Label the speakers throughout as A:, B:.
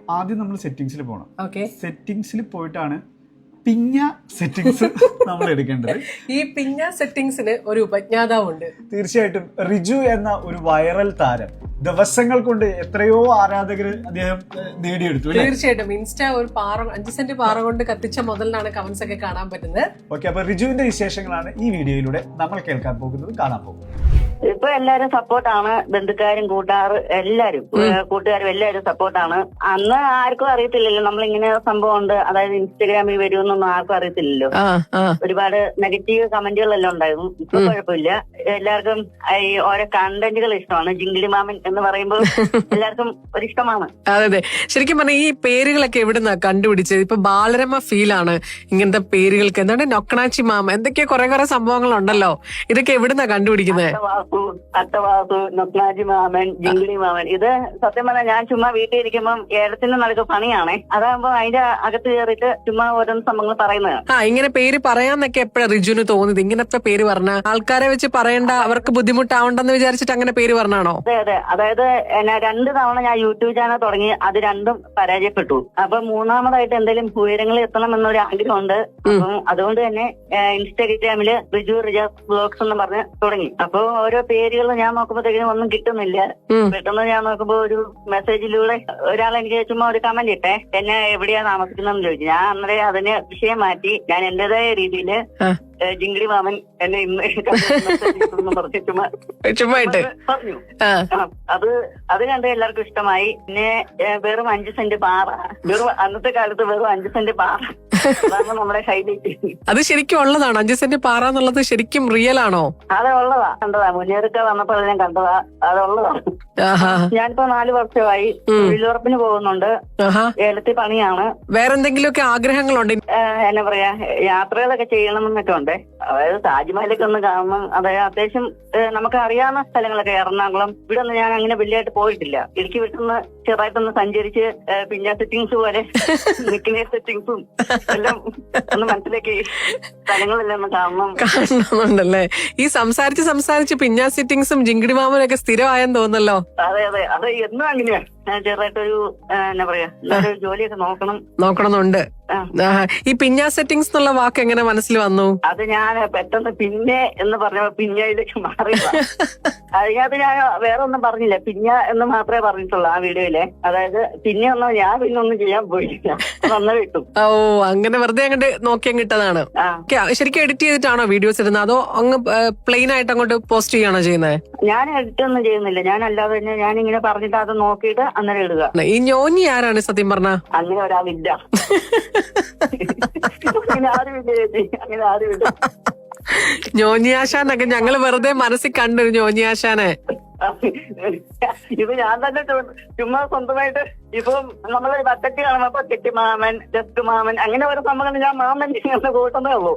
A: ആദ്യം നമ്മൾ സെറ്റിംഗ്സിൽ പോകണം.
B: ഓക്കെ,
A: സെറ്റിംഗ്സിൽ പോയിട്ടാണ് പിഞ്ഞ സെറ്റിംഗ്സ് നമ്മൾ എടുക്കേണ്ടത്.
B: ഈ പിഞ്ഞ സെറ്റിംഗ്സിന് ഒരു ഉപജ്ഞാതാവുണ്ട്.
A: തീർച്ചയായിട്ടും റിജു എന്ന ഒരു വൈറൽ താരം ദിവസങ്ങൾ കൊണ്ട് എത്രയോ ആരാധകർ അദ്ദേഹം നേടിയെടുത്തു.
B: തീർച്ചയായിട്ടും ഇൻസ്റ്റ ഒരു 5 സെന്റ് പാറ കൊണ്ട് കത്തിച്ച മുതലിനാണ് കമന്റ്സ് ഒക്കെ കാണാൻ പറ്റുന്നത്.
A: ഓക്കെ, അപ്പൊ റിജുവിന്റെ വിശേഷങ്ങളാണ് ഈ വീഡിയോയിലൂടെ നമ്മൾ കേൾക്കാൻ പോകുന്നത്, കാണാൻ പോകുന്നത്.
C: ഇപ്പൊ എല്ലാരും സപ്പോർട്ടാണ്, ബന്ധുക്കാരും കൂട്ടുകാരും എല്ലാരും സപ്പോർട്ടാണ്. അന്ന് ആർക്കും അറിയത്തില്ലല്ലോ നമ്മളിങ്ങനെ സംഭവം ഉണ്ട്, അതായത് ഇൻസ്റ്റഗ്രാമിൽ വരുമെന്നൊന്നും ആർക്കും അറിയത്തില്ലല്ലോ. ഒരുപാട് നെഗറ്റീവ് കമന്റുകളെല്ലാം ഉണ്ടായിരുന്നു. ഇപ്പൊ കുഴപ്പമില്ല, എല്ലാവർക്കും ഈ ഓരോ കണ്ടന്റുകൾ ഇഷ്ടമാണ്. ജിങ്കിളി മാമൻ എന്ന് പറയുമ്പോൾ എല്ലാവർക്കും ഒരിഷ്ടമാണ്.
B: അതെ, ശരിക്കും പറഞ്ഞാൽ ഈ പേരുകളൊക്കെ എവിടുന്നാ കണ്ടുപിടിച്ചത്? ഇപ്പൊ ബാലരമ ഫീലാണ് ഇങ്ങനത്തെ പേരുകൾക്ക്. എന്താണ് നൊക്കണാച്ചി മാമ, എന്തൊക്കെയോ കുറെ സംഭവങ്ങളുണ്ടല്ലോ. ഇതൊക്കെ എവിടുന്നാ കണ്ടുപിടിക്കുന്നത്?
C: അട്ടവാസു, നൊക്നാജി മാമൻ, ജിങ്കിളി മാമൻ, ഇത് സത്യം പറഞ്ഞാൽ ഞാൻ ചുമ്മാ വീട്ടിൽ ഇരിക്കുമ്പോൾ ഏടത്തിന്റെ നടക്ക് പണിയാണേ. അതാകുമ്പോ അതിന്റെ അകത്ത് കയറിയിട്ട് ചുമ്മാ ഓരോന്ന് സംഭവങ്ങൾ പറയുന്നത്.
B: ഇങ്ങനെ പേര് പറയാന്നൊക്കെ എപ്പോഴാണ് റിജുവിന് തോന്നിയത്? ഇങ്ങനത്തെ പേര് പറഞ്ഞ ആൾക്കാരെ വെച്ച് പറയണ്ട, അവർക്ക് ബുദ്ധിമുട്ടാവണ്ടെന്ന് വിചാരിച്ചിട്ട് അങ്ങനെ പേര് പറഞ്ഞാണോ?
C: അതെ, അതായത് 2 തവണ ഞാൻ യൂട്യൂബ് ചാനൽ തുടങ്ങി, അത് രണ്ടും പരാജയപ്പെട്ടു. അപ്പൊ മൂന്നാമതായിട്ട് എന്തെങ്കിലും ഉയരങ്ങളിൽ എത്തണം എന്നൊരു ആഗ്രഹമുണ്ട്. അപ്പം അതുകൊണ്ട് തന്നെ ഇൻസ്റ്റാഗ്രാമില് റിജു റിജാസ് വ്ലോഗ്സ് എന്ന് പറഞ്ഞ് തുടങ്ങി. അപ്പൊ ഓരോ പേരുകൾ ഞാൻ നോക്കുമ്പോഴത്തേക്കും ഒന്നും കിട്ടുന്നില്ല. പെട്ടെന്ന് ഞാൻ നോക്കുമ്പോ ഒരു മെസ്സേജിലൂടെ ഒരാൾ എനിക്ക് ചുമ്മാ ഒരു കമന്റ് ഇട്ടേ, എന്നെ എവിടെയാ താമസിക്കുന്നതെന്ന് ചോദിച്ചു. ഞാൻ അന്നേരം അതിന് വിഷയം മാറ്റി ഞാൻ എന്റേതായ രീതിയിൽ ജിങ്കിളി മാമൻ എന്നെ ഇന്ന് പറഞ്ഞു പറഞ്ഞു. അത് കണ്ട് എല്ലാവർക്കും ഇഷ്ടമായി. പിന്നെ വെറും 5 സെന്റ് പാറ, അന്നത്തെ കാലത്ത് വെറും 5 സെന്റ് പാറ, അതാണ് നമ്മുടെ ഹൈലൈറ്റ്.
B: അത് ശരിക്കും ഉള്ളതാണോ? 5 സെന്റ് പാറ എന്നുള്ളത് ശരിക്കും റിയൽ ആണോ?
C: അത് ഉള്ളതാ, കണ്ടതാ. മുന്നേറൊക്കെ വന്നപ്പോൾ ഞാൻ കണ്ടതാ, അതുള്ളതാ. ഞാനിപ്പോ 4 വർഷമായി തൊഴിലുറപ്പിന് പോകുന്നുണ്ട്. ഏലത്തി പണിയാണ്.
B: വേറെന്തെങ്കിലുമൊക്കെ ആഗ്രഹങ്ങളുണ്ട്?
C: എന്നാ പറയാ, യാത്രകളൊക്കെ ചെയ്യണമെന്നൊക്കെ ഉണ്ട്. അതായത് താജ്മഹലൊക്കെ ഒന്ന് കാണണം. അതായത് അത്യാവശ്യം നമുക്ക് അറിയാവുന്ന സ്ഥലങ്ങളൊക്കെ, എറണാകുളം ഇവിടെ ഒന്നും ഞാൻ അങ്ങനെ വലിയായിട്ട് പോയിട്ടില്ല. ഇടുക്കി വിട്ടൊന്ന് ചെറുതായിട്ടൊന്ന് സഞ്ചരിച്ച് പിന്നെ സെറ്റിംഗ്സ് പോലെ നിൽക്കുന്ന സെറ്റിംഗ്സും എല്ലാം ഒന്ന് മനസ്സിലാക്കി സ്ഥലങ്ങളെല്ലാം ഒന്ന്
B: കാണണമെന്നുണ്ടല്ലേ? ഈ സംസാരിച്ച് പിഞ്ഞാ സെറ്റിംഗ്സും ജിങ്കിടി മാമനൊക്കെ സ്ഥിരമായെന്ന് തോന്നല്ലോ.
C: അതെ, അത് എന്നും അങ്ങനെയാ. ചെറുതായിട്ടൊരു എന്നാ പറയാ, ജോലിയൊക്കെ നോക്കണമെന്നുണ്ട്.
B: ഈ പിഞ്ഞാ സെറ്റിംഗ്സ് എന്നുള്ള വാക്ക് എങ്ങനെ മനസ്സിൽ വന്നു?
C: അത് ഞാൻ പെട്ടെന്ന് പിന്നെ എന്ന് പറഞ്ഞപ്പോ പിഞ്ഞയിലേക്ക് മാറി. അതിനകത്ത് ഞാൻ വേറെ ഒന്നും പറഞ്ഞില്ല, പിഞ്ഞ എന്ന് മാത്രമേ പറഞ്ഞിട്ടുള്ളൂ ആ വീഡിയോയിലെ. അതായത് പിന്നെ ഒന്നും ചെയ്യാൻ പോയില്ല, വന്ന കിട്ടും.
B: ഓ, അങ്ങനെ വെറുതെ അങ്ങോട്ട് നോക്കി അങ്ങിട്ടതാണ്. ശരിക്കും എഡിറ്റ് ചെയ്തിട്ടാണോ വീഡിയോസ് ഇടുന്നത്, അതോ അങ്ങ് പ്ലെയിൻ ആയിട്ട് അങ്ങോട്ട് പോസ്റ്റ് ചെയ്യാണോ ചെയ്യുന്നത്?
C: ഞാൻ എഡിറ്റ് ഒന്നും ചെയ്യുന്നില്ല, ഞാൻ അല്ലാതെ തന്നെ ഞാനിങ്ങനെ പറഞ്ഞിട്ട് അത് നോക്കിയിട്ട് അന്നേരം ഇടുക.
B: ഈ ഞോഞ്ഞി ആരാണ് സത്യം പറഞ്ഞ?
C: അങ്ങനെ ഒരാളില്ല, അങ്ങനെ ആരുമില്ല.
B: ഞോഞ്ഞിയാശാനൊക്കെ ഞങ്ങള് വെറുതെ മനസ്സിൽ കണ്ടു, ഞോഞ്ഞിയാശാനെ.
C: ഇത് ഞാൻ തന്നെ ചുമ്മാ സ്വന്തമായിട്ട് ഇപ്പം നമ്മള് ബക്കറ്റ് കാണുമ്പോ കെട്ടി മാമൻ, ജസ്റ്റ് മാമൻ, അങ്ങനെ ഓരോ സംഭവങ്ങൾ ഞാൻ മാമൻ കൂട്ടുന്നേ ഉള്ളൂ.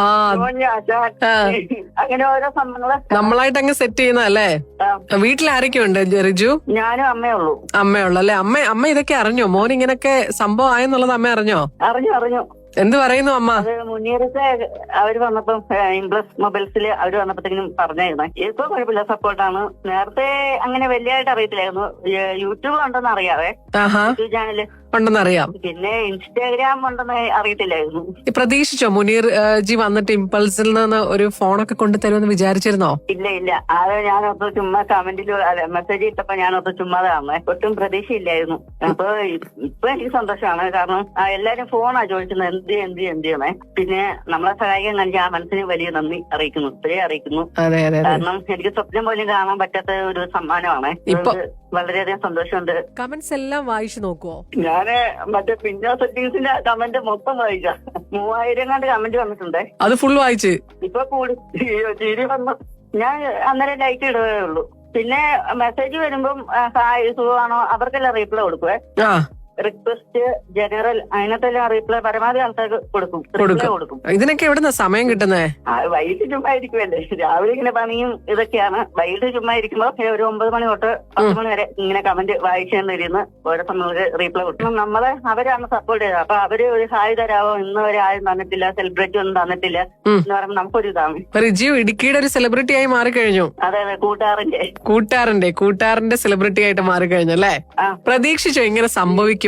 C: അങ്ങനെ ഓരോ സംഭവങ്ങള്
B: നമ്മളായിട്ട് അങ്ങ് സെറ്റ് ചെയ്യുന്നതല്ലേ? വീട്ടിൽ ആരൊക്കെ ഉണ്ട് റിജു?
C: ഞാനും അമ്മയുള്ളൂ.
B: അമ്മയുള്ളൂ അല്ലേ? അമ്മ ഇതൊക്കെ അറിഞ്ഞോ? മോൻ ഇങ്ങനൊക്കെ സംഭവം ആയെന്നുള്ളത് അമ്മ അറിഞ്ഞോ?
C: അറിഞ്ഞു.
B: എന്ത് പറയുന്നു അമ്മ?
C: അത് മുന്നേറത്തെ അവര് വന്നപ്പം ഇംപ്ലസ് മൊബൈൽസിൽ അവര് വന്നപ്പോഴത്തേക്കും പറഞ്ഞായിരുന്നു. ഇപ്പൊ കുഴപ്പമില്ല, സപ്പോർട്ടാണ്. നേരത്തെ അങ്ങനെ വലിയായിട്ട് അറിയത്തില്ലായിരുന്നു. യൂട്യൂബ് ഉണ്ടെന്ന് അറിയാവേ, യൂട്യൂബ് ചാനല്
B: ഉണ്ടെന്നറിയാം.
C: പിന്നെ ഇൻസ്റ്റാഗ്രാം ഉണ്ടെന്ന് അറിയത്തില്ലായിരുന്നു.
B: പ്രതീക്ഷിച്ചോ മുനീർ ജി വന്നിട്ട് ഇമ്പൾസിൽ നിന്ന് ഒരു ഫോണൊക്കെ കൊണ്ടുതരുമെന്ന് വിചാരിച്ചിരുന്നോ?
C: ഇല്ല, അത് ഞാനൊത്ത് ചുമ്മാ കമന്റിൽ മെസ്സേജ് ഇട്ടപ്പോ ഞാനൊത്ത് ചുമ്മാതാണ്, ഒട്ടും പ്രതീക്ഷയില്ലായിരുന്നു. അപ്പൊ ഇപ്പൊ എനിക്ക് സന്തോഷമാണ്. കാരണം എല്ലാരും ഫോണാ ചോദിക്കുന്നത്, എന്ത് ചെയ്യണേ. പിന്നെ നമ്മളെ സഹായിക്കാൻ കാണിച്ച ആ മനസ്സിന് വലിയ നന്ദി അറിയിക്കുന്നു, ഇപ്പോഴേ അറിയിക്കുന്നു. കാരണം എനിക്ക് സ്വപ്നം പോലും കാണാൻ പറ്റാത്ത ഒരു സമ്മാനമാണ്. വളരെയധികം സന്തോഷമുണ്ട്.
B: കമന്റ്സ് എല്ലാം വായിച്ചു നോക്കുവോ?
C: ഞാന് മറ്റേ പിഞ്ഞ സെറ്റിംഗ്സിന്റെ കമന്റ് മൊത്തം വായിക്കാം. 3000 കമന്റ് വന്നിട്ടുണ്ട്.
B: അത് ഫുൾ വായിച്ച്
C: ഇപ്പൊ കൂടി ചിരി വന്നു. ഞാൻ അന്നേരം ലൈക്ക് ഇടുകയേ ഉള്ളൂ. പിന്നെ മെസ്സേജ് വരുമ്പം ഹായ് സുഖമാണോ അവർക്കെല്ലാം റീപ്ലൈ കൊടുക്കുവേ. റിക്വസ്റ്റ്, ജനറൽ, അതിനകത്തെല്ലാം റീപ്ലൈ പരമാവധി ആൾക്കാർക്ക് കൊടുക്കും.
B: ഇതിനൊക്കെ എവിടുന്ന സമയം കിട്ടുന്നേ?
C: വൈകിട്ട് ചുമ്മാ ഇരിക്കുമല്ലേ, രാവിലെ ഇങ്ങനെ പണിയും ഇതൊക്കെയാണ്. വൈകിട്ട് ചുമ്മാ ഇരിക്കുമ്പോ ഒരു 9 മണി തൊട്ട് 10 മണി വരെ ഇങ്ങനെ കമന്റ് വായിച്ചിരുന്ന് ഓരോ സമയത്ത് റീപ്ലൈ കൊടുക്കും. നമ്മളെ അവരാണ് സപ്പോർട്ട് ചെയ്തത്. അപ്പൊ അവര് ഒരു ഹായ് തരാവോ, ഇന്ന് വരെ ആരും തന്നിട്ടില്ല, സെലിബ്രിറ്റി ഒന്നും തന്നിട്ടില്ല എന്ന് പറയുമ്പോൾ നമുക്കൊരു ഇതാണ്.
B: റിജു ഇടുക്കിയുടെ ഒരു സെലിബ്രിറ്റി ആയി മാറിക്കഴിഞ്ഞു.
C: അതെ, കൂട്ടുകാരന്റെ
B: സെലിബ്രിറ്റി ആയിട്ട് മാറിക്കഴിഞ്ഞു അല്ലേ? പ്രതീക്ഷിച്ചോ ഇങ്ങനെ സംഭവിക്കും?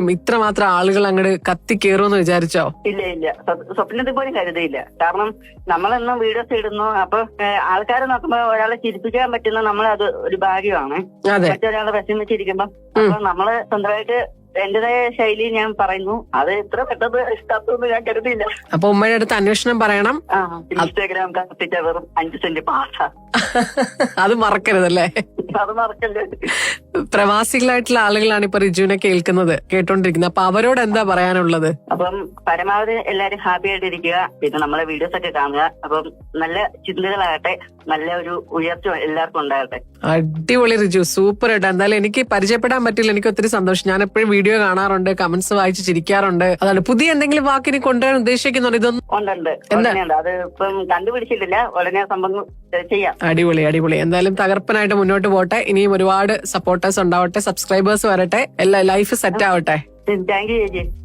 B: വിജയിക്കും, ഇത്രമാത്രം ആളുകൾ അങ്ങോട്ട് കത്തിക്കേറുമെന്ന് വിചാരിച്ചോ?
C: ഇല്ല സ്വപ്നത്തിൽ പോലും കരുതിയില്ല. കാരണം നമ്മളെന്നും വീഡിയോസ് ഇടുന്നു. അപ്പൊ ആൾക്കാരെ നോക്കുമ്പോ ഒരാളെ ചിരിപ്പിക്കാൻ പറ്റുന്ന നമ്മളത് ഒരു ഭാഗ്യമാണ്.
B: അതെ,
C: മറ്റൊരാളെ വിഷമിച്ചിരിക്കുമ്പോ അപ്പൊ നമ്മള് സ്വന്തമായിട്ട് എന്റേതായ ശൈലി ഞാൻ പറയുന്നു. അത് ഇത്ര പെട്ടെന്ന് ഇഷ്ടപ്പെട്ടു ഞാൻ കരുതിയില്ല.
B: അപ്പൊ ഉമ്മയുടെ അടുത്ത് അന്വേഷണം പറയണം.
C: ഇൻസ്റ്റാഗ്രാം കത്തിച്ച വെറും 5 സെന്റ് പാസ.
B: അത് മറക്കരുതല്ലേ.
C: അത് മറക്കല്ലേ.
B: പ്രവാസികളായിട്ടുള്ള ആളുകളാണ് ഇപ്പൊ റിജുവിനെ കേട്ടോണ്ടിരിക്കുന്നത്. അപ്പൊ അവരോട് എന്താ പറയാനുള്ളത്?
C: അപ്പം പരമാവധി എല്ലാരും ഹാപ്പി ആയിട്ടിരിക്കുക. പിന്നെ നമ്മളെ വീഡിയോസ് ഒക്കെ കാണുക. അപ്പം നല്ല ചിന്തകളാകട്ടെ, നല്ല ഒരു ഉയർച്ച എല്ലാവർക്കും ഉണ്ടാകട്ടെ.
B: അടിപൊളി റിജു, സൂപ്പർ ആയിട്ട്. എന്തായാലും എനിക്ക് പരിചയപ്പെടാൻ പറ്റില്ല, എനിക്ക് ഒത്തിരി സന്തോഷം. ഞാൻ എപ്പോഴും വീഡിയോ കാണാറുണ്ട്, കമന്റ്സ് വായിച്ച് ചിരിക്കാറുണ്ട്. അതാണ് പുതിയ എന്തെങ്കിലും വാക്കിന് കൊണ്ടുവരാൻ ഉദ്ദേശിക്കുന്നുണ്ട്? ഇതൊന്നും
C: ഉണ്ട്. അത് ഇപ്പം കണ്ടുപിടിച്ചിട്ടില്ല. ഉടനെ സംഭവം ചെയ്യാം.
B: അടിപൊളി. എന്തായാലും തകർപ്പനായിട്ട് മുന്നോട്ട് പോട്ടെ. ഇനിയും ഒരുപാട് സപ്പോർട്ടേഴ്സ് ഉണ്ടാവട്ടെ, സബ്സ്ക്രൈബേഴ്സ് വരട്ടെ, എല്ലാ ലൈഫ് സെറ്റ് ആവട്ടെ.
C: താങ്ക് യു ചേച്ചി.